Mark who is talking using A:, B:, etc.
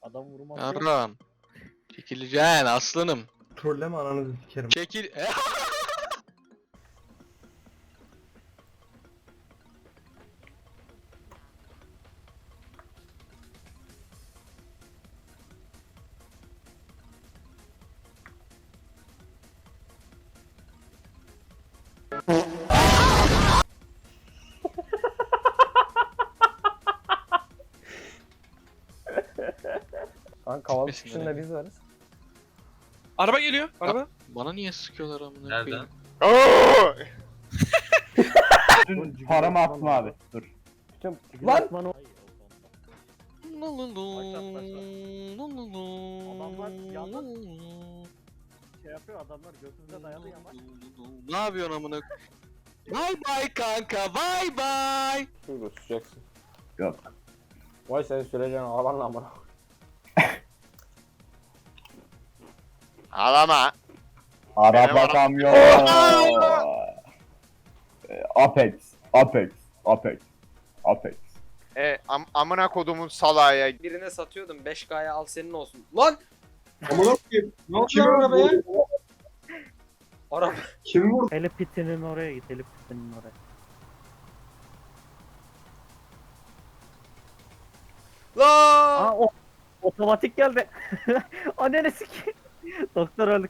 A: Adam vurması yok.
B: Yarram. Çekileceksin aslanım.
C: Trolleme ananızı sikerim.
B: Çekil.
A: Kanka havalı
B: Gitmesinler
A: çıkışında
B: yani.
A: biz varız.
D: Araba geliyor. Araba.
B: Bana niye sıkıyorlar amına
E: Nereden?
B: koyayım?
F: Dün paramı attım abi. Dur.
A: Bütün
C: Lan!
A: Lan! Şey yapıyor adamlar götümüze dayalı yamaç.
B: Ne yapıyorsun amına? Bye bye kanka. Bye bye.
A: Şurada susacaksın.
F: Yok.
A: Vay senin süreceğin ağlarla amına.
E: Ağlama.
F: Araba kamyon. Apex. Apex. Apex. Apex.
E: Amına kodumun salaya.
D: Birine satıyordum 5K'ya al senin olsun. Lan!
C: Amına koyayım. Ne oldu lan arabaya?
D: Araba.
C: Kim vurdu?
A: Elip pitinin oraya git, Elip pitinin oraya.
D: Lan!
A: Aa o otomatik geldi. Anneni sikeyim. Doktor öldük.